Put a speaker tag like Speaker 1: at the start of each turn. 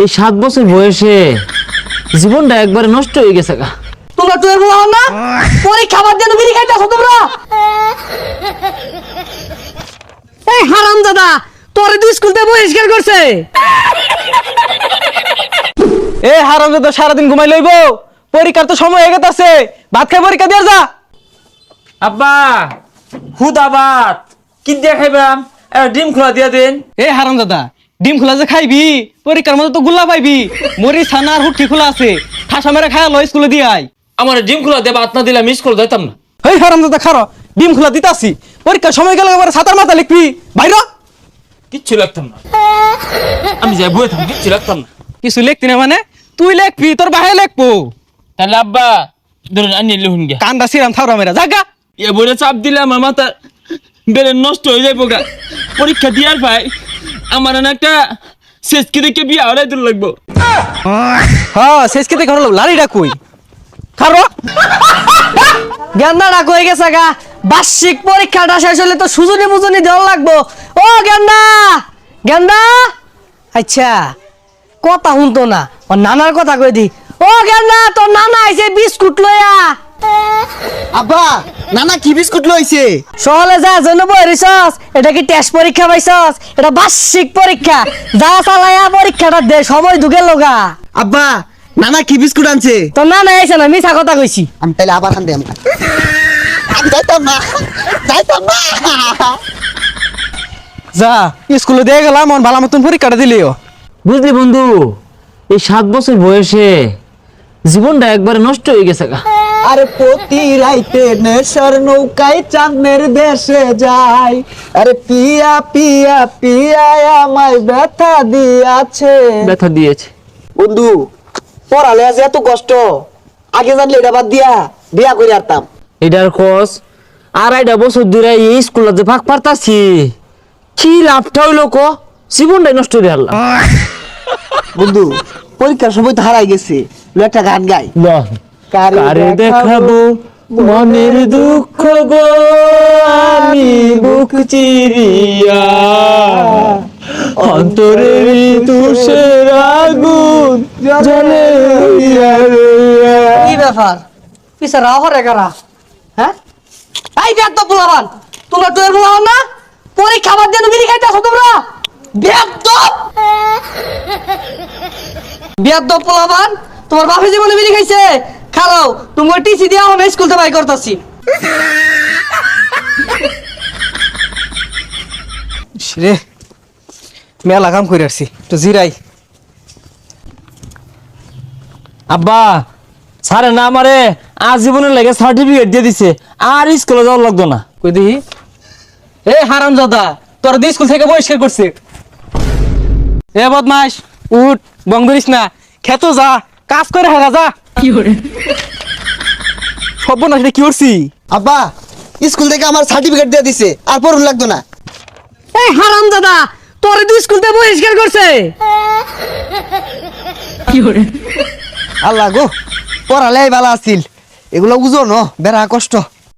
Speaker 1: এই 7 বছর বয়সে জীবনটা একবারে নষ্ট হয়ে গেছে গা।
Speaker 2: তোমরা তো এরকম হও না, পরীক্ষা বাদ দিয়ে বিড়ি খাইতেছো তোমরা। এই হারামজাদা, তোরে তো স্কুল থেকে বহিষ্কার করছে।
Speaker 3: এ হারামজাদা সারাদিন ঘুমাই লইব, পরীক্ষার তো সময় হয়ে গেছে, ভাত খাই পরীক্ষা দিয়ে যা।
Speaker 1: আব্বা হুদাবাদ কি দিয়ে খাইবাম, ডিম খোলা দিয়া দেন।
Speaker 3: এ হারামজাদা, ডিম খোলা যে খাইবি, পরীক্ষার মধ্যে তো গুল্লা পাইবি। মরি ছানা আর হুটকি খোলা আছে, ঠাসা মেরে খায়া লো স্কুলে দিয়ে আই।
Speaker 1: আমার ডিম খোলা দেবা, ভাত না দিলে আমি স্কুল যাইতাম না।
Speaker 3: এই হারামজাদা খারো, ডিম খোলা দিতাছি, পরীক্ষার সময় গেলে এবারে ছাতার মাথা লিখবি বাইর।
Speaker 1: কিচ্ছু লাগতাম না, আমি যাই বই থাম, কিচ্ছু লাগতাম না।
Speaker 3: কিছু লিখতি না মানে তুই লিখবি, তোর বাহে লিখবো।
Speaker 1: তাহলে আব্বা ধরুন আনি লিখুন গিয়া।
Speaker 3: কান্দা সিরাম থাউরা মেরা জাগা।
Speaker 1: এ বইটা চাপ দিলে আমার মাথা বেড়ে নষ্ট হয়ে যাইব গা। পরীক্ষা দিয়ার ভাই আমার না একটা শেষকে দেখে বিয়ে হলে দূর লাগবো।
Speaker 3: হ্যাঁ শেষ কেতে ঘর লাড়িটা কই খারো।
Speaker 2: গেন্দা ডাক হয়ে গেছে গা, বার্ষিক পরীক্ষাটা শেষ হলে তো সুজনি মুজনি দেওয়া লাগবো। ও গেন্দা, গেন্দা, আচ্ছা কথা শুনতো না, ও নানার কথা কই দি। ও গেন্দা, তোর নানা আইছে বিস্কুট লইয়া।
Speaker 4: আব্বা নানা কি বিস্কুট লইছে?
Speaker 2: সহলে যা জন্য বইরিছস, এটা কি টেস্ট পরীক্ষা পাইছস? এটা বার্ষিক পরীক্ষা, যা চালায়া পরীক্ষাটা দে, সময় ঢুকে লগা।
Speaker 4: আব্বা নানা কি বিস্কুট আনছে?
Speaker 2: তোর নানা আইছে না, মিছা কথা কইছি।
Speaker 4: আমি তাহলে আবার আনতে আমি যাইতাম না, যাইতাম না।
Speaker 3: যা স্কুলে দিয়ে গেলাম, মন ভালো মতন পরীক্ষাটা দিলিও।
Speaker 1: বুঝলি বন্ধু, এই 7 বছর বয়সে জীবনটা একবারে নষ্ট হয়ে গেছে গা।
Speaker 4: আরে প্রতি রাইতে নেশার নৌকায় চাঁদের দেশে যাই, আরে পিয়া পিয়া পিয়া আমায় ব্যথা দিয়াছে।
Speaker 1: ব্যথা দিয়েছে
Speaker 4: বন্ধু পড়ালে আজ এত কষ্ট, আগে জানলে এটা বাদ দিয়া বিয়া করে আরতাম।
Speaker 1: এটার খোঁজ 2.5 বছর ধরে এই স্কুলে যে ফাঁক পারতাছি, কি লাভটা হইলো ক? জীবনটাই নষ্ট হয়ে হারলাম।
Speaker 4: বন্ধু পরীক্ষার সময় তো হারাই গেছে, একটা গান গাই।
Speaker 1: কারে দেখাবো মনের দুঃখ গো, আমি বুক চিরিয়া অন্তরের তুষের আগুন জ্বলে
Speaker 2: কি ব্যাপার, পিছে রাও হরে কারা? হ্যাঁ এই বেদ তো পোলাবান, তোমরা তো এর পোলাবান না, পরীক্ষা বাদ দিয়ে বিড়ি খাইতেছো তোমরা। বেদ পোলাবান, তোমার বাপে জীবনে বিড়ি খাইছে, খাও তুমি টিসি দিয়া আমি স্কুল থেকে বাই করতাছি।
Speaker 3: রে মেলা কাম করে আসছি, তো জিরাই।
Speaker 1: আব্বা স্যারে না আমারে আজীবনের লাগে সার্টিফিকেট দিয়ে দিছে, আর স্কুলে যাওয়ার লাগতো না।
Speaker 3: কই দেখি। এ হারামজাদা, তোর দিয়ে স্কুল থেকে বহিষ্কার করছে। এ বদমাস উঠ, বং ধরিস না, খেতো যা, কাজ করে হাগা যা। কি করে সব না সেটা কি করছি?
Speaker 4: আব্বা স্কুল থেকে আমার সার্টিফিকেট দিয়ে দিছে, আর পড়ুন লাগতো না।
Speaker 2: এই হারামজাদা, তোরে তো স্কুল থেকে বহিষ্কার করছে।
Speaker 4: আল্লাহ গো, পড়ালে ভালো আছিল, এগুলো বুঝো ন, বেড়া কষ্ট।